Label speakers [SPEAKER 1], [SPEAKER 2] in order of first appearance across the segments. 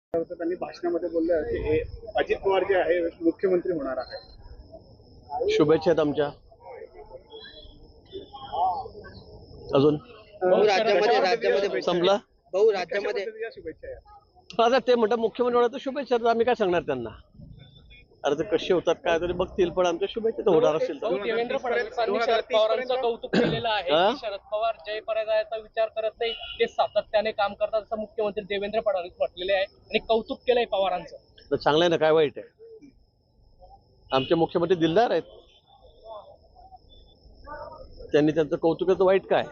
[SPEAKER 1] त्यांनी भाषणामध्ये बोललं की अजित पवार जे आहे मुख्यमंत्री होणार आहे.
[SPEAKER 2] शुभेच्छा आहेत आमच्या. अजून
[SPEAKER 3] राज्यामध्ये
[SPEAKER 2] संपला
[SPEAKER 3] भाऊ राज्यामध्ये
[SPEAKER 1] शुभेच्छा आहे.
[SPEAKER 2] आता ते म्हणतात मुख्यमंत्री होणार तर शुभेच्छा, तर आम्ही काय सांगणार त्यांना. अरे ते कसे होतात काय तरी बघतील, पण आमच्या शुभेच्छा तर होणार असेल तर.
[SPEAKER 4] देवेंद्र फडणवीसांनी शरद पवारांचं कौतुक केलेलं आहे की शरद पवार जय पराजयाचा विचार करत नाही, ते सातत्याने काम करतात असं मुख्यमंत्री देवेंद्र फडणवीस म्हटलेले आहे आणि कौतुक केलंय पवारांचं.
[SPEAKER 2] तर चांगलं आहे ना, काय वाईट आहे. आमचे मुख्यमंत्री दिलदार आहेत, त्यांनी त्यांचं कौतुकाचं वाईट काय.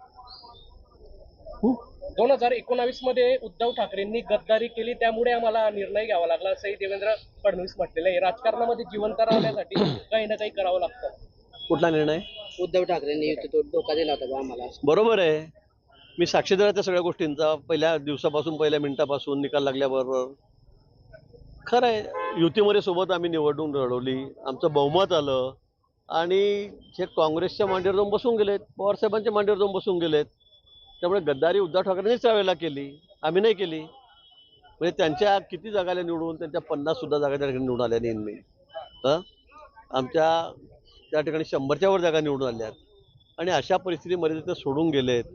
[SPEAKER 4] 2019 मध्ये उद्धव ठाकरेंनी गद्दारी केली, त्यामुळे आम्हाला निर्णय घ्यावा लागला असंही देवेंद्र फडणवीस म्हटलेलं आहे. राजकारणामध्ये जिवंत राहण्यासाठी काही ना काही करावं लागतं.
[SPEAKER 2] कुठला निर्णय?
[SPEAKER 3] उद्धव ठाकरेंनी तो धोका दिला होता आम्हाला.
[SPEAKER 2] बरोबर आहे, मी साक्षीदार आहे त्या सगळ्या गोष्टींचा. पहिल्या दिवसापासून, पहिल्या मिनिटापासून, निकाल लागल्याबरोबर. खरं आहे, युतीमध्ये सोबत आम्ही निवडणूक लढवली, आमचं बहुमत आलं आणि हे काँग्रेसच्या मांडीवर जाऊन बसून गेलेत, पवारसाहेबांच्या मांडीवर जाऊन बसून गेलेत. त्यामुळे गद्दारी उद्धव ठाकरेंनीच त्यावेळेला केली, आम्ही नाही केली. म्हणजे त्यांच्या किती जागाला निवडून, त्यांच्या 50 सुद्धा जागा त्या ठिकाणी निवडून आल्या नेहमी. आमच्या त्या ठिकाणी 100च्या वर जागा निवडून आल्यात आणि अशा परिस्थितीमध्ये ते सोडून गेलेत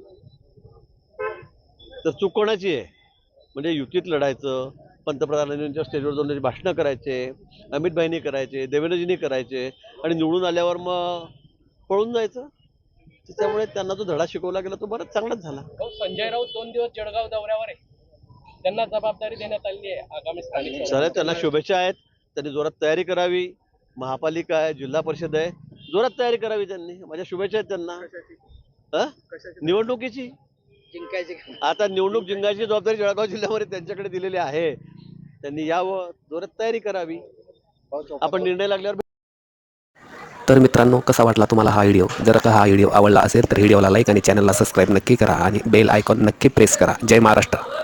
[SPEAKER 2] तर चूक कोणाची आहे? म्हणजे युतीत लढायचं, पंतप्रधानांच्या स्टेजवर जाऊन त्याची भाषणं करायचे, अमित भाईंनी करायचे, देवेंद्रजींनी करायचे आणि निवडून आल्यावर मग पळून जायचं. त्यामुळे त्यांना जो धडा शिकवला गेला तो बराच चांगलाच झाला.
[SPEAKER 4] संजय राऊत 2 दिवस जळगाव दौऱ्यावर आहे, त्यांना जबाबदारी देण्यात आली आहे आगामी स्थानिक.
[SPEAKER 2] सर त्यांना शुभेच्छा आहेत, त्यांनी जोरात तयारी करावी. महापालिका आहे, जिल्हा परिषद आहे, जोरात तयारी करावी त्यांनी. माझ्या शुभेच्छा आहेत त्यांना. निवडणुकीची
[SPEAKER 3] जिंकायचे.
[SPEAKER 2] आता निवडणूक जिंकायची जबाबदारी जळगाव जिल्ह्यामध्ये त्यांच्याकडे दिलेली आहे. त्यांनी यावं, जोरात तयारी करावी. आपण निर्णय लागल्यावर.
[SPEAKER 5] तर मित्रांनो, कसा वाटला तुम्हाला हा व्हिडिओ? जर का हा व्हिडिओ आवडला असेल तर व्हिडिओला लाईक आणि चॅनलला सबस्क्राईब नक्की करा आणि बेल आयकॉन नक्की प्रेस करा. जय महाराष्ट्र.